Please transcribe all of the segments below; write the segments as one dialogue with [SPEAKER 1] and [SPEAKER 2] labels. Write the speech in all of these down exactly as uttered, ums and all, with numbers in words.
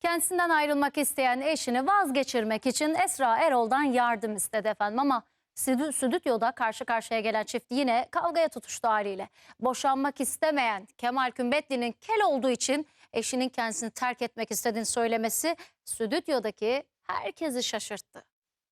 [SPEAKER 1] Kendisinden ayrılmak isteyen eşini vazgeçirmek için Esra Erol'dan yardım istedi efendim ama stü- stüdyoda karşı karşıya gelen çift yine kavgaya tutuştu haliyle. Boşanmak istemeyen Kemal Kümbetli'nin kel olduğu için eşinin kendisini terk etmek istediğini söylemesi stüdyodaki herkesi şaşırttı.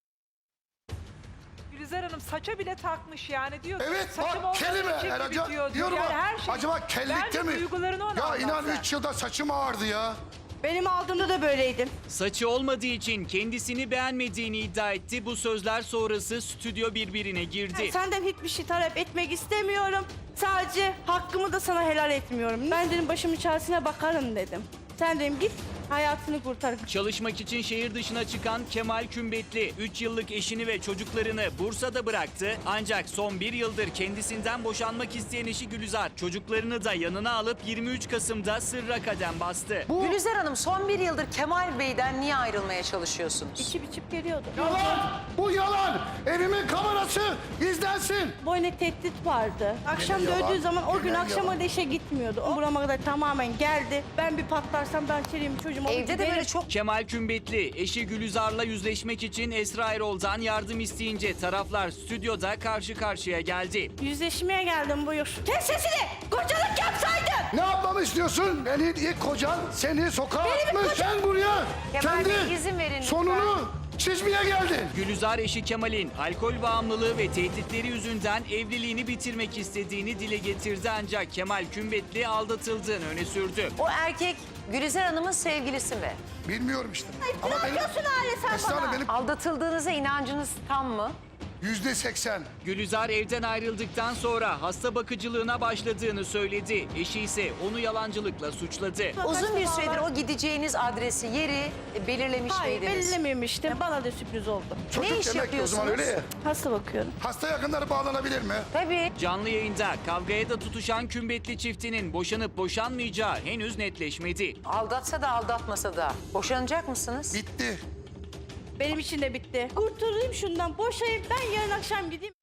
[SPEAKER 2] Gülizar Hanım saça bile takmış yani diyor.
[SPEAKER 3] Evet
[SPEAKER 2] saçım
[SPEAKER 3] bak kelime.
[SPEAKER 2] olmadığı için
[SPEAKER 3] Yani,
[SPEAKER 2] gibi
[SPEAKER 3] acaba,
[SPEAKER 2] diyor.
[SPEAKER 3] diyorum
[SPEAKER 2] yani
[SPEAKER 3] bak,
[SPEAKER 2] her şey.
[SPEAKER 3] acaba kellikte
[SPEAKER 2] Bence
[SPEAKER 3] mi?
[SPEAKER 2] duygularını ona
[SPEAKER 3] Ya
[SPEAKER 2] anlat
[SPEAKER 3] inan
[SPEAKER 2] sen.
[SPEAKER 3] üç yılda saçım ağardı ya.
[SPEAKER 4] Benim aldığımda da böyleydim.
[SPEAKER 5] Saçı olmadığı için kendisini beğenmediğini iddia etti. Bu sözler sonrası stüdyo birbirine girdi.
[SPEAKER 4] Senden hiçbir şey talep etmek istemiyorum. Sadece hakkımı da sana helal etmiyorum. Ben dedim başımın çaresine bakarım dedim. Sen dedim git hayatını kurtar.
[SPEAKER 5] Çalışmak için şehir dışına çıkan Kemal Kümbetli üç yıllık eşini ve çocuklarını Bursa'da bıraktı. Ancak son bir yıldır kendisinden boşanmak isteyen eşi Gülizar çocuklarını da yanına alıp yirmi üç Kasım'da sırra kadem bastı.
[SPEAKER 6] Gülizar Hanım son bir yıldır Kemal Bey'den niye ayrılmaya çalışıyorsunuz?
[SPEAKER 4] İçip içip geliyordu.
[SPEAKER 3] Yalan! Bu yalan! Evimin kamerası izlensin!
[SPEAKER 4] Boyuna tehdit vardı. Akşam
[SPEAKER 3] Gene yalan,
[SPEAKER 4] döndüğü zaman o gün
[SPEAKER 3] gene
[SPEAKER 4] akşama
[SPEAKER 3] yalan.
[SPEAKER 4] da işe gitmiyordu. O burama kadar tamamen geldi. Ben bir patlarsam ben çeleyim çocuğum.
[SPEAKER 6] Evde de böyle çok
[SPEAKER 5] Kemal Kümbetli eşi Gülizar'la yüzleşmek için Esra Erol'dan yardım isteyince taraflar stüdyoda karşı karşıya geldi.
[SPEAKER 4] yüzleşmeye geldim buyur. Kes sesini! Kocalık yapsaydın!
[SPEAKER 3] Ne yapmamı istiyorsun? Beni ilk kocan seni sokağa atmış. Sen buraya
[SPEAKER 6] Kemal Bey,
[SPEAKER 3] kendi
[SPEAKER 6] izin verin lütfen.
[SPEAKER 3] sonunu çizmeye geldin.
[SPEAKER 5] Gülizar eşi Kemal'in alkol bağımlılığı ve tehditleri yüzünden evliliğini bitirmek istediğini dile getirdi ancak Kemal Kümbetli aldatıldığını öne sürdü.
[SPEAKER 6] o erkek Gülizar Hanım'ın sevgilisi mi?
[SPEAKER 3] Bilmiyorum işte. Ama
[SPEAKER 4] Ne yapıyorsun Hale sen
[SPEAKER 3] Esra
[SPEAKER 4] bana?
[SPEAKER 3] Hanım benim
[SPEAKER 6] Aldatıldığınıza inancınız tam mı?
[SPEAKER 3] yüzde seksen.
[SPEAKER 5] Gülizar evden ayrıldıktan sonra hasta bakıcılığına başladığını söyledi. Eşi ise onu yalancılıkla suçladı.
[SPEAKER 6] Uzun bir süredir o gideceğiniz adresi, yeri belirlemiş
[SPEAKER 4] Hayır
[SPEAKER 6] miydiniz?
[SPEAKER 4] belirlememiştim. Bana da sürpriz oldu.
[SPEAKER 3] Çocuk
[SPEAKER 6] iş
[SPEAKER 3] demek ki o zaman öyle ya.
[SPEAKER 6] yapıyorsunuz?
[SPEAKER 4] Hasta bakıyorum.
[SPEAKER 3] Hasta yakınları bağlanabilir mi?
[SPEAKER 6] Tabii.
[SPEAKER 5] Canlı yayında kavgaya da tutuşan Kümbetli çiftinin boşanıp boşanmayacağı henüz netleşmedi.
[SPEAKER 6] Aldatsa da aldatmasa da boşanacak mısınız?
[SPEAKER 3] Bitti.
[SPEAKER 4] Benim için de bitti. Kurtulayım şundan, boşayayım. Ben yarın akşam gideyim.